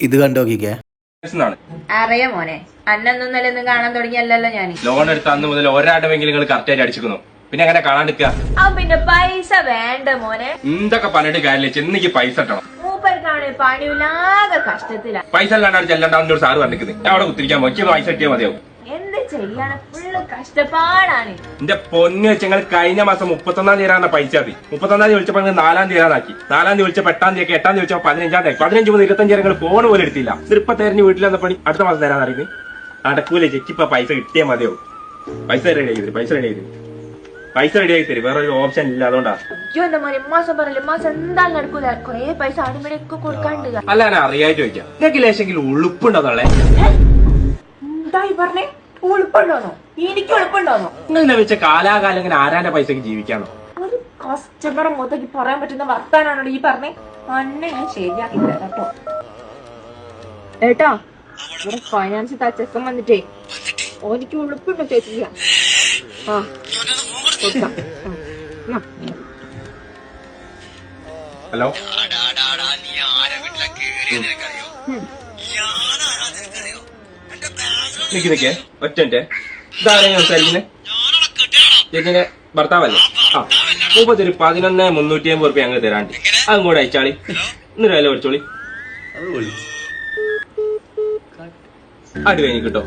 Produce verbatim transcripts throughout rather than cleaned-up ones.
ഇത് കണ്ടോക്കിക്കേ. അറിയാ മോനെ, അന്നൊന്നും നിലൊന്നും കാണാൻ തുടങ്ങിയല്ലോ ഞാൻ. ലോൺ എടുത്ത അന്ന് മുതൽ ഒരാടമെങ്കിലും നിങ്ങൾ കറക്റ്റ് ആയിട്ട് അടിച്ചിരിക്കുന്നു. പിന്നെ എങ്ങനെ കാണാണ്ടിരിക്കുക? ആ പിന്നെ പൈസ വേണ്ട മോനെ. എന്തൊക്കെ പറഞ്ഞിട്ട് കാര്യമില്ല, ചെന്നിക്ക് പൈസ ഇട്ടണം. മൂപ്പർക്കാണ് പണിയില്ലാതെ കഷ്ടത്തില. പൈസ അല്ലാണ്ട് ചെല്ലണ്ടാവുന്ന ഒരു സാറ് പറഞ്ഞിരിക്കുന്നത്. ഞാൻ അവിടെ കുത്തിരിക്കാൻ നോക്കി പൈസ കിട്ടിയാൽ മതിയാവും. എന്ത് ചെയ്യാണ്, ഫുള്ള് കഷ്ടപ്പാടാണ്. എന്റെ പൊന്ന് വെച്ച് ഞങ്ങൾ കഴിഞ്ഞ മാസം മുപ്പത്തൊന്നാം തീയതി തരാന്ന പൈസ മതി. മുപ്പത്തൊന്നാം തീയതി വിളിച്ചപ്പോൾ നാലാം തീയതി തരാനാക്കി. നാലാം തീയതി വിളിച്ചപ്പോൾ എട്ടാം തീയതി എട്ടാം തീയതി വിളിച്ചപ്പോൾ പതിനഞ്ചാം തീയതി പതിനഞ്ച് മുതൽ ഇരുപത്തഞ്ച് നിങ്ങൾ ഫോൺ പോലും എടുത്തില്ല. ഇതിപ്പോ തെരഞ്ഞ് വീട്ടിൽ വന്ന പണി അടുത്ത മാസം തരാൻ അറിയുന്നത് നടക്കൂലേ. ചെക്കിപ്പോ പൈസ കിട്ടിയാൽ മതിയാവും. പൈസ റെഡി ആക്കി തരും, പൈസ റെഡി ആക്കി തരും, പൈസ റെഡി ആക്കി തരും. വേറെ ഒരു ഓപ്ഷൻ ഇല്ല, അതുകൊണ്ടാ. അയ്യോ എന്റെ മോനെ, മാസം പറയല്ലേ, മാസം എന്തായാലും നടക്കൂല. കൊറേ പൈസ അടിമണിയൊക്കെ കൊടുക്കാണ്ട്. അല്ല ഞാൻ അറിയാതെ ചോദിക്കാം, നിങ്ങൾക്ക് ലേശെങ്കിലും ഉളുപ്പുണ്ടോന്നുള്ളേ? എന്തായി പറഞ്ഞേ? ഉളുപ്പുണ്ടോന്നോ? എനിക്ക് ഉളുപ്പുണ്ടോന്നോ? നിങ്ങൾ വെച്ച കാലാകാലം ഇങ്ങനെ ആരാന്റെ പൈസക്ക് ജീവിക്കാന്നോ? ഒരു കസ്റ്റമറെ മുതക്കി പറയാൻ പറ്റുന്ന വർത്താനാണോ ഈ പറഞ്ഞേ? അന്നെ ഞാൻ ശരിയാക്കി തരാം കേട്ടോ. ഏട്ടാ, ഇവിടെ ഫൈനാൻസ് തച്ചക്കം വന്നിട്ടേ ഓനിക്ക് ഉളുപ്പുണ്ടോ ചോദിച്ചില്ല. ആ കൊടുക്കാം. ഹലോ, നിക്ക് നിക്കേ ഒറ്റ ഇതാരാ സംസാരിക്കുന്നത്? ചേച്ചിന്റെ ഭർത്താവല്ലേ? ആ മുപ്പത്തി ഒരു പതിനൊന്ന് മുന്നൂറ്റി അമ്പത് റുപ്യ ഞങ്ങൾ തരാണ്ട് അതും കൂടെ അയച്ചാളി. ഇന്നൊരു വില പഠിച്ചോളി. അടി കഴിഞ്ഞ് കിട്ടോ?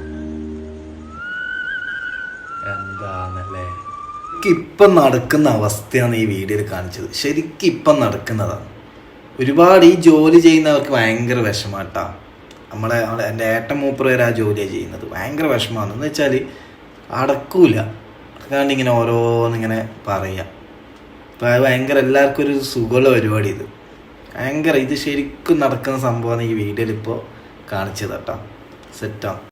എന്താണല്ലേ ഇപ്പം നടക്കുന്ന അവസ്ഥയാണ് ഈ വീഡിയോയിൽ കാണിച്ചത്. ശരിക്കും ഇപ്പം നടക്കുന്നതാണ്. ഒരുപാട് ഈ ജോലി ചെയ്യുന്നവർക്ക് ഭയങ്കര വിഷമാട്ടാ. നമ്മളെ എൻ്റെ ഏട്ടൻ മൂപ്പർ വരെ ആ ജോലിയാണ് ചെയ്യുന്നത്. ഭയങ്കര വിഷമമാണ്. എന്ന് വെച്ചാൽ അടക്കൂല, അടക്കാണ്ട് ഇങ്ങനെ ഓരോന്നിങ്ങനെ പറയാം. അപ്പം അത് ഭയങ്കര എല്ലാവർക്കും ഒരു സുഖമുള്ള പരിപാടി. ഇത് ഭയങ്കര ഇത് ശരിക്കും നടക്കുന്ന സംഭവമാണ് ഈ വീഡിയോയിൽ ഇപ്പോൾ കാണിച്ചത് കേട്ടോ. സെറ്റാണ്.